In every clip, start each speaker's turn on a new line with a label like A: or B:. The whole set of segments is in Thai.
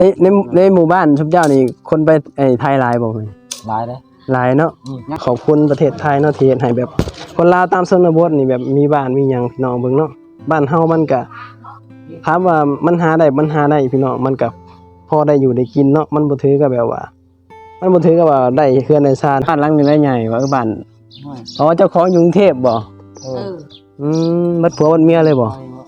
A: ในหมู่บ้านชุบเจ้านี่คนไปไทยหลายบ่แม่
B: หลายเด้
A: หลายเนาะขอบคุณประเทศไทยเนาะที่เฮ็ดให้แบบคนลาวตามชนบทนี่แบบมีบ้านมีหยังพี่น้องเบิ่งเนาะบ้านเฮามันก็ถามว่ามันหาได้พี่น้องมันก็พอได้อยู่ได้กินเนาะมันบ่ถือกับแบบว่ามันบ่ถือกับว่าได้เฮือนได้ซ่านบ้านหลังนี้ได้ใหญ่ว่าบ้านอ๋อเจ้าของอยู่กรุงเทพบ่บัดผัวบัดเมียเลยบ่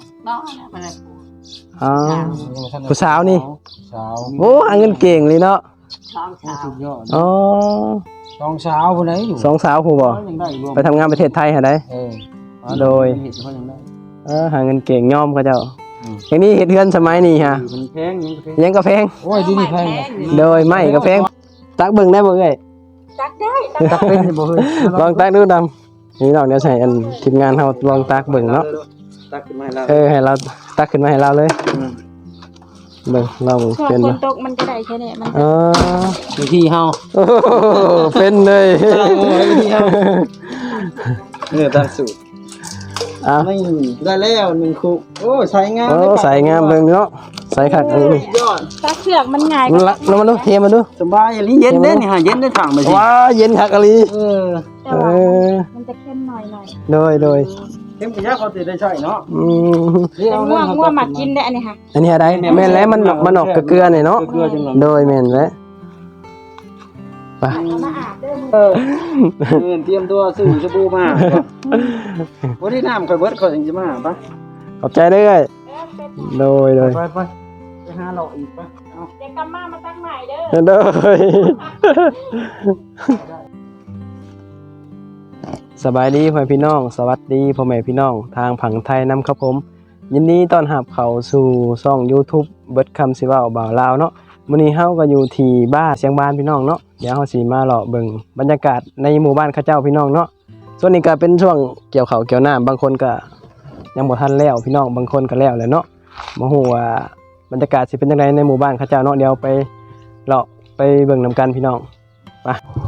A: อ๋อผู้สาวนี่โอ้หาเงินเก่งเลยเนาะอ๋อ
B: สองสาวผู้ใดอยู่
A: สองสาวผู้บ่ไปทำงานประเทศไทยหาได้โดยหาเงินเก่งย่อมเขาเจ้าอย่างนี้เฮ็ดเฮือนสมัยนี้ฮะ
B: แพง
A: ยังก็แพง
B: โอ้ยดีนี่แพง
A: โดยไม่ก็แพงตักเบิ่งได้บ่เอ้ย
C: ตักได้
B: ตักเป็นบ่เฮ้ย
A: ลองตักดูดำนี่น้องเดี๋ยวใส่อันทีมงานเฮาลองตักเบิ่งเนาะ
B: ตักขึ้นมาให้เรา
A: ให้เราตักขึ้นมาให้เราเลยเบิ่งเราเป็น
C: ฝนตกมันก็ได้แค่นี้มัน
B: วิธีเฮา
A: เป็นเลย
B: วิธีเฮาตามสูตรไม่ได้แล้ว1คุกโอ้ใส่งาม
A: ใส่งามเบิ่งเนาะใส่คัก
C: ตักเสือกมันง่าย
A: แล้วมาดูเทมาดู
B: สบายอันนี้เย็นเด้นี่ฮะเย็นได้ถังไปสิ
A: ว้าเย็นคักอะลี
C: มันจะเข้มหน่อย
A: โดย
B: เข้มกะยาเขาสิได้ใช้เนาะ
C: ง่วงมากินได้อันนี้ค่ะ
A: อันนี้อะไรแม่นแล้วมันออกเกลือนี่เนาะโดยแม่นแล้วไป
C: มาอาบเด้
B: อเตรียมตัวซื้อสบู่มาบ่ได้น้ำค่อยเบิดค่อยสิมาปะ
A: ขอบใจเด้อโดย
B: ไปหาเราอีกปะเอา
C: เดี๋ยวกลับมาตักใหม่เด้อ
A: สบายดีพ่อพี่น้องสวัสดีพ่อแม่พี่น้องทางผังไทยนำครับผมยินดีต้อนรับเข้าสู่ช่อง YouTube เบิดคำสิเว้าบ่าวลาวเนาะมื้อนี้เฮาก็อยู่ที่บ้านเสียงบ้านพี่น้องเนาะเดี๋ยวเฮาสิมาเลาะเบิ่งบรรยากาศในหมู่บ้านเขาเจ้าพี่น้องเนาะส่วนนี้ก็เป็นช่วงเกี่ยวข้าวเกี่ยวน้ำบางคนก็ยังบ่ทันแล้วพี่น้องบางคนก็แล้วแหละเนาะบ่ฮู้ว่าบรรยากาศสิเป็นจังไดในหมู่บ้านเขาเจ้าเนาะเดี๋ยวไปเลาะไปเบิ่งนำกันพี่น้องไป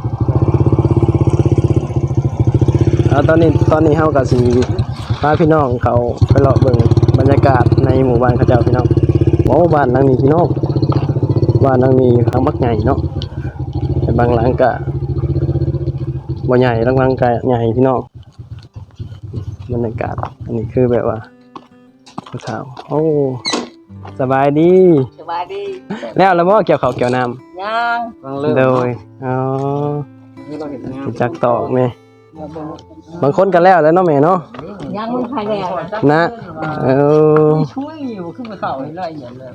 A: ตอนนี้เฮาก็สิพาพี่น้องเขาไปเลาะเบิ่งบรรยากาศในหมู่บ้านเขาเจ้าพี่น้องโอ้บ้านหลังนี้พี่น้องบ้านหลังนี้ทางบักใหญ่เนาะแต่บางหลังก็บ่ใหญ่บางหลังก็ใหญ่พี่น้องบรรยากาศอันนี้คือแบบว่าผู้สาวโอ้สบายดีแล้วบ่เกี่ยวข้าวเกี่ยวน้ำ
C: ยัง
A: โดยอ๋อจักตอกแม่บางคนก็แล้วเนาะแม่เนาะ
C: ยังไม่ทันแล้ว
A: นะ
B: ช่วยอยู่ขึ้นมาเข้าให้ละเอียดเลย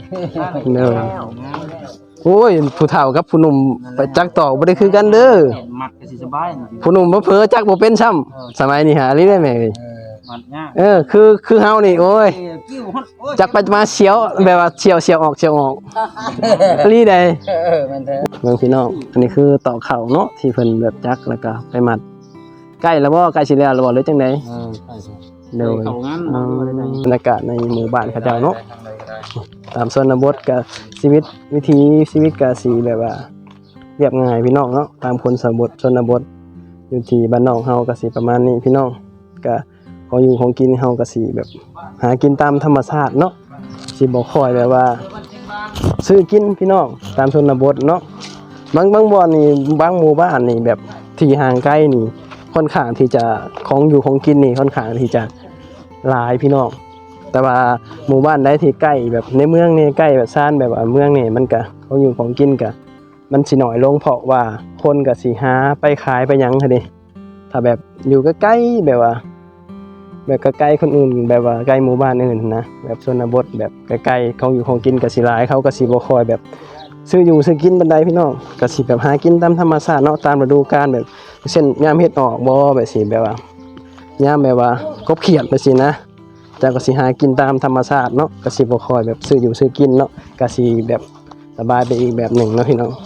A: โอ้ยผู้เฒ่ากับผู้หนุ่มไปจักตอกบ่ได้คือกันเด้อ
B: มัดก็สิสบาย
A: ผู้หนุ่มเผลอจักบ่เป็นซ้ำสมัยนี้หาลิได้แม่
B: มัดยาก
A: คือเฮานี่โอ้ยจักไปมาเสียวแบบว่าเสียวออกลีได้
B: มันแท้
A: เบิ่งพี่น้องอันนี้คือตอกเข่าเนาะที่เพิ่นแบบจักแล้วก็ไปมัดใกล้แล้วบ่ใกล้สิแล้วหรือบ่หรือจังได๋
B: ใกล้สิ
A: โดยบรรยากาศในหมู่บ้านเขาเจ้าเนาะตามชนบทก็วิถีชีวิตก็สิแบบว่าเรียบง่ายพี่น้องเนาะตามคนชนบทอยู่ที่บ้านนอกเฮาก็สิประมาณนี้พี่น้องก็ของอยู่ของกินเฮาก็สิแบบหากินตามธรรมชาติเนาะสิบ่ค่อยแบบว่าซื้อกินพี่น้องตามชนบทเนาะบางบ่อนนี่บางหมู่บ้านนี่แบบที่ห่างไกลนี่ค่อนข้างที่จะของอยู่ของกินนี่ค่อนข้างที่จะหลายพี่น้องแต่ว่าหมู่บ้านใดที่ใกล้แบบในเมืองนี่ใกล้แบบซ่านแบบว่าเมืองนี่มันก็ของอยู่ของกินก็มันสิน้อยลงเพราะว่าคนก็สิหาไปขายไปหยังหั่นดิถ้าแบบอยู่ใกล้ๆแบบว่าแบบใกล้ๆคนอื่นแบบว่าใกล้หมู่บ้านอื่นนะแบบชนบทแบบใกล้ๆของอยู่ของกินก็สิหลายเขาก็สิบ่ค่อยแบบซื้ออยู่ซื้อกินบันไดพี่น้องก็สิแบบหากินตามธรรมชาติเนาะตามฤดูกาลแบบเช่นยามเฮ็ดออกบ่แบบสิแบบว่ายามแบบว่ากบเขียดไปสินะจะก็สิหากินตามธรรมชาติเนาะก็สิบ่ค่อยแบบซื้ออยู่ซื้อกินเนาะก็สิแบบสบายไปอีกแบบหนึ่งเนาะพี่น้อง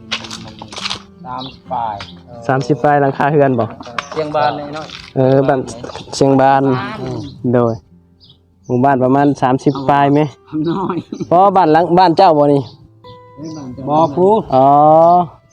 A: 30 ปลายหลังคาเฮือนบ่
B: เชียงบานเลยน้
A: อยบ้านเชียงบานโดยหมู่บ้านประมาณ30 ปลายมั้ย
B: น้อย
A: เพราะบ้านเจ้าบ่นี่
B: บ่ครู
A: อ๋อ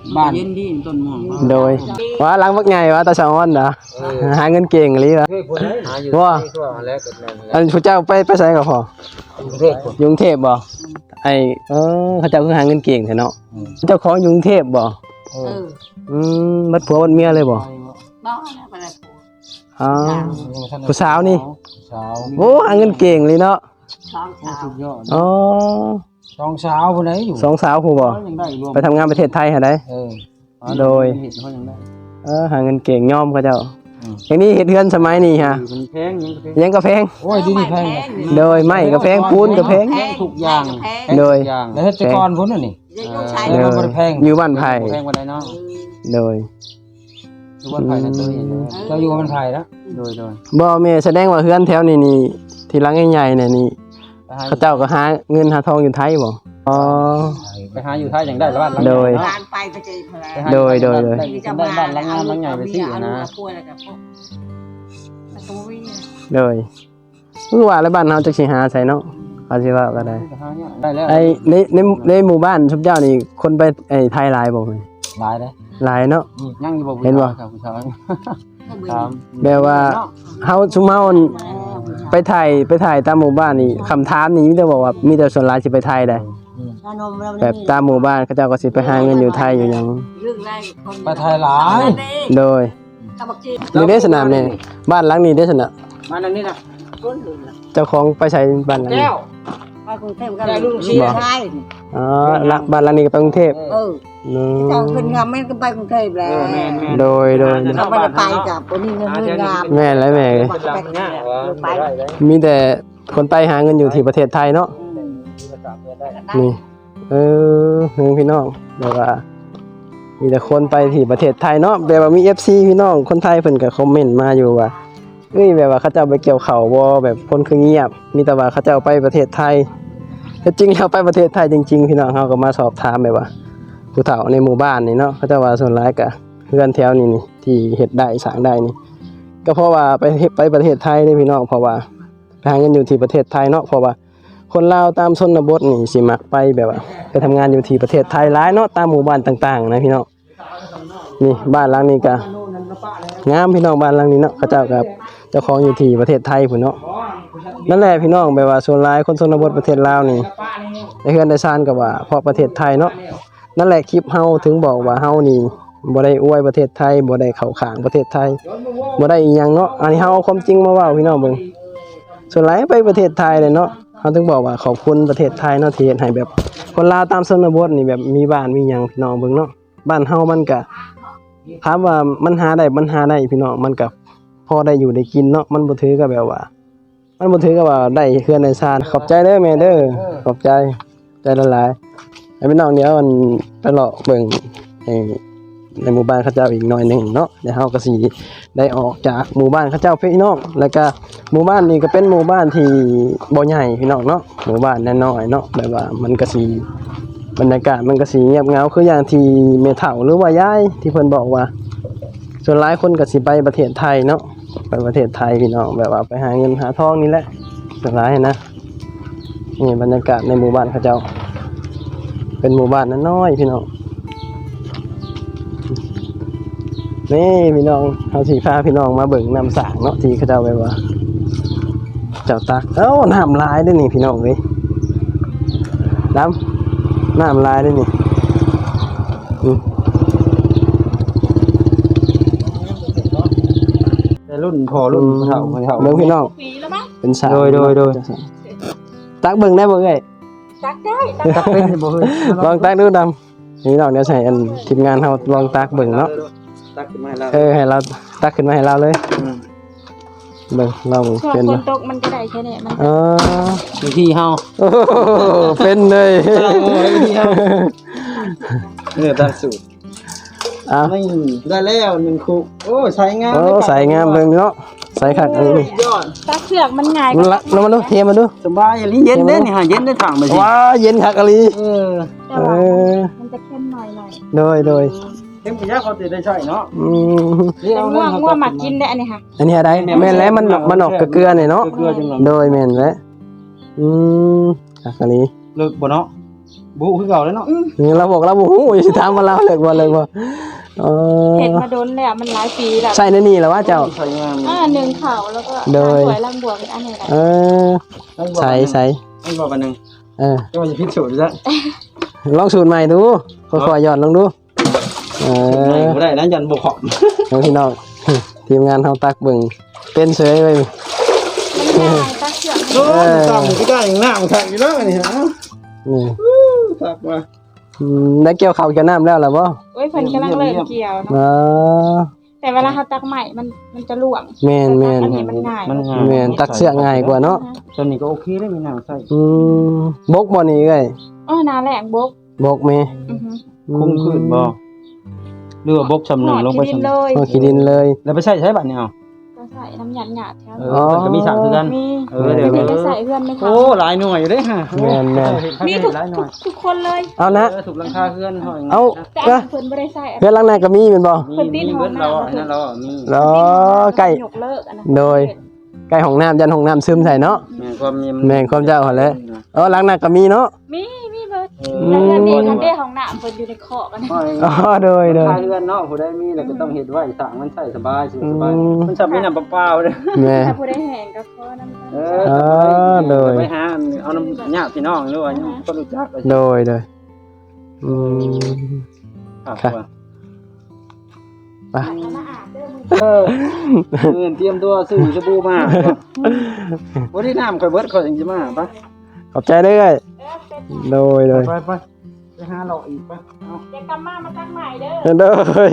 B: บ้านเย็นดีต้นม่วง
A: โดยว่าหลังบักใหญ่ว่าตาชาวอ้อนนะหาเงินเก่งอีหลีวะ
B: เฮ้ยพุ่นหาอยู่
A: ว่า
B: ทั่วแล้วก็นั่นแหละ
A: อันผู้เจ้าไปไสก็พอ
B: กรุงเทพ
A: อยู่กรุงเทพบ่ไอเขาเจ้าคือหาเงินเก่งแท้เนาะเจ้าของอยู่กรุงเทพบ่ บัดผัวบัดเมียเลยบ่
C: บ่นะบ่ได้
A: อ๋อผู้สาวนี่
B: สาว
A: โอ้หาเงินเก่งเลยเนาะ
C: ช่องเช้า
B: สุดยอด
A: อ๋อ
B: สองสาวพุ่นไหนอยู่
A: สองสาวผู้บ่
B: ยังได้รวม
A: ไปทำงานประเทศไทยหาได้ โดย
B: เห็นเขายังได้
A: หาเงินเก่งยอมเขาเจ้าอย่างนี้เฮ็ดเฮือนสมัยนี้ฮะ
B: มันแพงยังแพง
A: ยังก็แพง
B: โอ้ยดีนี่แพง
A: โดยไม้ก็แพงปูนก็แพง
B: แพงทุกอย่าง
A: โดย
B: แล้วเฮ็ดแต่ก่อนพุ่นน่ะนี่
C: ลูกชาย
A: โด
B: มันบ่ได้แพง
A: อยู่บ้านไผ่
B: แพงกว่าใดเนาะ
A: โดย
B: อยู่บ้านไผ่นั่นตัวเองเจ้าอยู่บ้านไผ่แล้วโดย
A: บ่แม่แสดงว่าเฮือนแถวนี้นี่ที่หลังใหญ่ๆเนี่ยนี่เขาเจ้าก็หาเงินหาทองอยู่ไทยบ่อ๋อ
B: ไปหาอยู่ไทยยังได้บ้านหลัง
A: โดย
C: ร้านไปไปเจอพลา
A: โดย
B: ได้บ้านหลังงานหลังใหญ่ไปสินะ
C: ป่วยแล้วก็พวกประตูวิ่ง
A: โดยคือว่าแล้วบ้านเฮาจักสิหาใส่เนาะเขาสิว่าก็ได้
B: ได้แล้ว
A: ไอ้ในหมู่บ้านชุบเจ้านี่คนไปไอ้ไทยหลายบ่แม่
B: หลายเด้
A: หลายเนาะ
B: ยังอยู่บ่
A: เห็นบ่
B: ครับผู้ชายครับ
A: แบบว่าเฮาซุมเฮาไปถ่ายตามหมู่บ้านนี่คำถามนี่มีแต่บอกว่ามีแต่ส่วนหลายสิไปไทยได้แบบตามหมู่บ้านเขาเจ้าก็สิไปหาเงินอยู่ไทยอยู่หยัง
B: ไปไทยหลาย
A: โดยนี่ได้สนามนี่บ้านหลังนี้ได้สนาม
B: มานั่นนี่นะ
A: เจ้าของไปใช้บ้านหลังนี้
B: แก้ว
C: ไปกรุงเทพก็
B: ได้ลูกชิ้น
C: ใช่
A: อ๋อละบ้านหลังนี้ก็ไปกรุงเทพ อืม
C: เจ้าขึ้นงามไม่ก็ไปกรุงเทพแล้ว
B: แม่น
A: โดย
C: เขาไม่ได้ไปกับคนนี้เงินงาม
A: แม่และแม่
C: ไป
A: มีแต่คนไปหาเงินอยู่ที่ประเทศไทยเนาะนี่พี่น้องแบบว่า มีแต่คนไปที่ประเทศไทยเนาะแบบว่ามี FC พี่น้องคนไทยเพิ่นก็คอมเมนต์มาอยู่ว่าแบบว่าเขาเจ้าไปเกี่ยวข้าวบ่แบบคนคือเงียบ มีแต่ว่าเขาเจ้าไปประเทศไทยแต่จริงแล้วไปประเทศไทยจริงๆพี่น้องเฮาก็มาสอบถามแบบว่าผู้เฒ่าในหมู่บ้านนี่เนาะเขาเจ้าว่าส่วนหลายก็เฮือนแถวนี้นี่ที่เฮ็ดได้สร้างได้นี่ก็เพราะว่าไปประเทศไทยนี่พี่น้องเพราะว่าไปหาเงินอยู่ที่ประเทศไทยเนาะเพราะว่าคนลาวตามชนบทนี่สิมักไปแบบว่าไปทำงานอยู่ที่ประเทศไทยหลายเนาะตามหมู่บ้านต่างๆนะพี่น้องนี่บ้านหลังนี้ก็งามพี่น้องบ้านหลังนี้เนาะเขาเจ้ากับเจ้าของอยู่ที่ประเทศไทยพุ่นเนาะนั่นแหละพี่น้องแบบว่าส่วนหลายคนชนบทประเทศลาวนี่ได้เฮือนได้ซ่านก็ว่าเพราะประเทศไทยเนาะนั่นแหละคลิปเฮาถึงบอกว่าเฮานี่บ่ได้อวยประเทศไทยบ่ได้เข้าข้างประเทศไทยบ่ได้อีหยังเนาะอันนี้เฮาเอาความจริงมาเว้าพี่น้องเบิ่งส่วนหลายไปประเทศไทยเลยเนาะเฮาถึงบอกว่าขอบคุณประเทศไทยเนาะที่เฮ็ดให้แบบคนลาวตามชนบทนี่แบบมีบ้านมีหยังพี่น้องเบิ่งเนาะบ้านเฮามันก็ถามว่ามันหาได้พี่น้องมันก็พอได้อยู่ได้กินเนาะมันบ่ถือกับแบบว่า มันบ่ถือกับว่าได้เฮือนได้ซ่านขอบใจเด้อแม่เด้อขอบใจละหลายๆให้พี่น้องเดี๋ยวมันไปเลาะเบิ่งในหมู่บ้านเขาเจ้าอีกหน่อยหนึงเนาะเดี๋ยวเฮาก็สิได้ออกจากหมู่บ้านเขาเจ้าพี่น้องแล้วก็หมู่บ้านนี้ก็เป็นหมู่บ้านที่บ่ใหญ่พี่น้องเนาะหมู่บ้านน้อยๆเนาะแบบว่ามันก็สิบรรยากาศมันก็สิเงียบเหงาคืออย่างที่แม่เฒ่าหรือว่ายายที่เพิ่นบอกว่าส่วนหลายคนก็สิไปประเทศไทยเนาะไปประเทศไทยพี่น้องแบบว่าไปหาเงินหาทองนี่แหละส่วนหลายนะนี่บรรยากาศในหมู่บ้านเขาเจ้าเป็นหมู่บ้านน้อยๆพี่น้องนี่พี่น้องเขาสีฟ้าพี่น้องมาเบิ่งน้ำสางเนาะที่เขาเจ้าไปว่าเจ้าตักน้ำลายด้วยนี่พี่น้องเว้ยน้ำลายด้วยนี่
B: แต่รุ่นพอรุ่นเฒ่าเฒ่า
A: เบิ่งพี่น้อง
C: ปีแล้วมั้ง
A: เป็นสาว
B: โดย
A: ตักเบิ่งได้บ่เอ้ย
C: ตักได้
B: ตักเป็นบ่เฮ้ย
A: ลองตักดูดำนี่น้องเดี๋ยวใส่อันทีมงานเฮาลองตักเบิ่งเนาะ
B: ตักขึ้นมาแล้ว
A: ให้เราตักขึ้นมาให้เราเลยเบิ่งเรา
C: ช่วง
A: เป็น
C: ฝ
A: บ่
C: นตกมันก็ได้แค่นี้มัน
A: อ๋อ
B: วิธีเฮา
A: โอ้โหเป็นเลย
B: วิธีเฮาตั้งสูตร
A: อ้าว
B: ไม่ได้แล้ว1คุกโอ้ใช้งาม
A: โอ้ใส่งามเบิ่งเนาะใส่คักอันนี้
B: ยอด
C: ตักเสือกมันง่าย
A: มันละลงมาดูเทมาดู
B: สบายอย่างนี้เย็นเด้นี่ฮะเย็นได้ถังไปสิ
A: ว้าเย็นคักอะลี
C: แต่
A: เอ
C: ว่า
A: อ
C: มันจะเข้มหน่อย
A: โดย
B: เต็มที่เขาติดได้ใช่เนาะ
C: แต่ง่วงมากินได้อันนี้ค่ะ
A: อันนี้อะไรแม่นแล้วมันออกกระเกลือนี่เนาะ
B: เกลือจังหวะ
A: โดยแม่นแล้วคักอะลี
B: เลิกบ่เนาะบุคือเก่าแล้วเนาะ
A: นี่เราบอกเราบ่ฮู้สิถามว่าเราเลิกบ่
C: เห็นมาโดนแล้วมันหลายปีแล้ว
A: ใช่ในนี่แหละว่าเจ้า
B: ใส่งาม
C: หนึ่งเข่าแล้วก็
A: โดย
C: สวยลำบวกอันนี้แหละ
A: เออใส่
B: ให้บอกกันหนึง
A: เออ
B: จะว่าจะพิสูจน์ซะ
A: ลองสูตรใหม่ดูค่อยๆหย่อนลงดูเอ
B: ไม่
A: อ
B: บ่ได้นะยันบ่ขอบ
A: เอาพี่น้อง ทีมงานเฮาตักเบิ่งเป็นเฉยไว้
C: มันง่ายตักเชือก
B: โอ้ตามก็ได้อย่างหน้ามันคักอยู่แล้วนี่ฮะ
A: นี่
B: คักว่า
A: ได้เกี่ยวข้าวเกี่ยวน้ำแล้วล่ะบ่
C: โอ้ยเพิ่นกำลังเริ่มเกี่ยว
A: อ๋
C: เนาะ
A: อ
C: แต่เวลาเขาตักใหม่มันจะหลวม
A: แม่น
C: อันนี้มันง่าย
B: มันง่าย
A: แม่นตักเสื้อง่ายกว่าเนาะ
B: ตอนนี้ก็โอเคได้มีน้ำใส่
A: บกบ่นี่เอ้ย
C: นาแหลงบก
A: บกแม่
C: อือฮึ
B: คุ้มคืนบ่หรือว่าบกชำหนึ่งลงไป
C: หอดที่ดิน
B: ชำ
C: เลย
A: เอาขี้ดินเลย
B: แล้วไปใช้บัตรเนี่ยเอา
C: ก็ใส่น้ำหยาดหยาดแถว
B: มันก็มีสามคือกัน
C: มี
B: เดี๋ยว
C: มีไปใส่เพื่อนไหมคะ
B: โอ้หลายหน่วยอยู่เด้ฮะ
A: แม่น
C: มีทุก
B: หลายหน่วย
C: ทุกคนเลย
A: เอานะ
B: ถูกหลังคาเพื่อนเฮาอย่าง
A: เอา
C: แต่
A: เอ้
C: อั
A: ย
C: นเพิ่นไม่ได้ใส่
A: เพื่อนหลังในก็มีแม่นบ่
B: มีเบิดเราอันนั้นเรามี
A: อ๋อใกล้
C: ยกเลิกอันนั้น
A: โดย ใกล้ห้องน้ำยันห้องน้ำซึมใส่เนาะ
B: แม่ความมี
A: แม่นความเจ้าหั่นแหละ หลังนั้นก็มีเนาะ
C: มีเบิดแล้วเพื่อนนี่ทันได้ของหน้าเพิ่นอยู่ในคอกอันนั้น
A: อ๋อโดย
B: คาเพื่อนเนาะผู้ใดมีแล้วก็ต้องเฮ็ดไว้สร้างมันใช้สบายสบายมันจะมีน้ำเปล่าๆเด้อ
A: แม่
C: ถ้าผู้ได้แห่งก็ขอน้ำ
B: โดยไปหาเอาน้ำญาติพี่น้องหรือว่าคนรู้จัก
A: โดยอืม
B: ครับ
A: ไป
C: มาอาบเด้อมึง
B: เตรียมตัวซื้อสบู่มาบ่ได้น้ำค่อยเบิดค่อยจังสิมาปะ
A: ขอบใจเด้อโดย
B: ไปหาเราอีกปะเอา
C: เดี๋ยวกลับมาตั้งใหม่เด้อ
A: โดย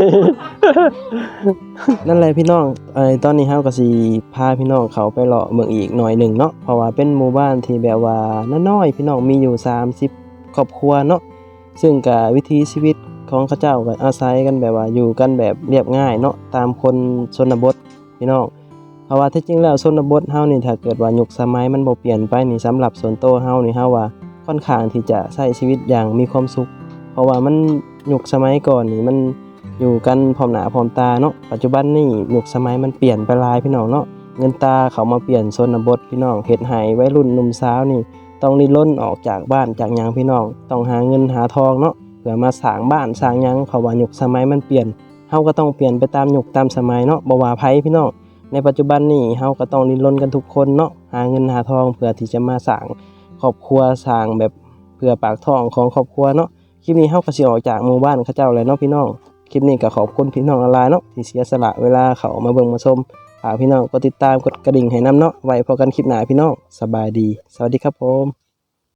A: นั่นแหละพี่น้องตอนนี้เฮาก็สิพาพี่น้องเขาไปเลาะเมืองอีกหน่อยหนึ่งเนาะเพราะว่าเป็นหมู่บ้านที่แบบว่าน้อยๆพี่น้องมีอยู่30ครอบครัวเนาะซึ่งก็วิถีชีวิตของเขาเจ้าก็อาศัยกันแบบว่าอยู่กันแบบเรียบง่ายเนาะตามคนชนบทพี่น้องเพราะว่าที่จริงแล้วชนบทเฮานี่ถ้าเกิดว่ายุคสมัยมันบ่เปลี่ยนไปนี่สำหรับส่วนตัวเฮานี่เฮาว่าค่อนข้างที่จะใช้ชีวิตอย่างมีความสุข เพราะว่ามันยุคสมัยก่อนนี่มันอยู่กันพร้อมหน้าพร้อมตาเนาะปัจจุบันนี่ยุคสมัยมันเปลี่ยนไปหลายพี่น้องเนาะเงินตาเขามาเปลี่ยนชนบทพี่น้องเฮ็ดให้วัยรุ่นหนุ่มสาวนี่ต้องริล้นออกจากบ้านจากหยังพี่น้องต้องหาเงินหาทองเนาะเพื่อมาสร้างบ้านสร้างหยังเพราะว่ายุคสมัยมันเปลี่ยนเฮาก็ต้องเปลี่ยนไปตามยุคตามสมัยเนาะบ่ว่าไผพี่น้องในปัจจุบันนี่เฮาก็ต้องริล้นกันทุกคนเนาะหาเงินหาทองเพื่อที่จะมาสร้างครอบครัวสร้างแบบเพื่อปากท้องของครอบครัวเนาะคลิปนี้เฮาก็สิออกจากหมู่บ้านเขาเจ้าแล้วเนาะพี่น้องคลิปนี้ก็ขอบคุณพี่น้องหลายๆเนาะที่เสียสละเวลาเขามาเบิ่งมาชมฝากพี่น้องกดติดตามกดกระดิ่งให้นำเนาะไว้พบกันคลิปหน้าพี่น้องสบายดีสวัสดีครับผม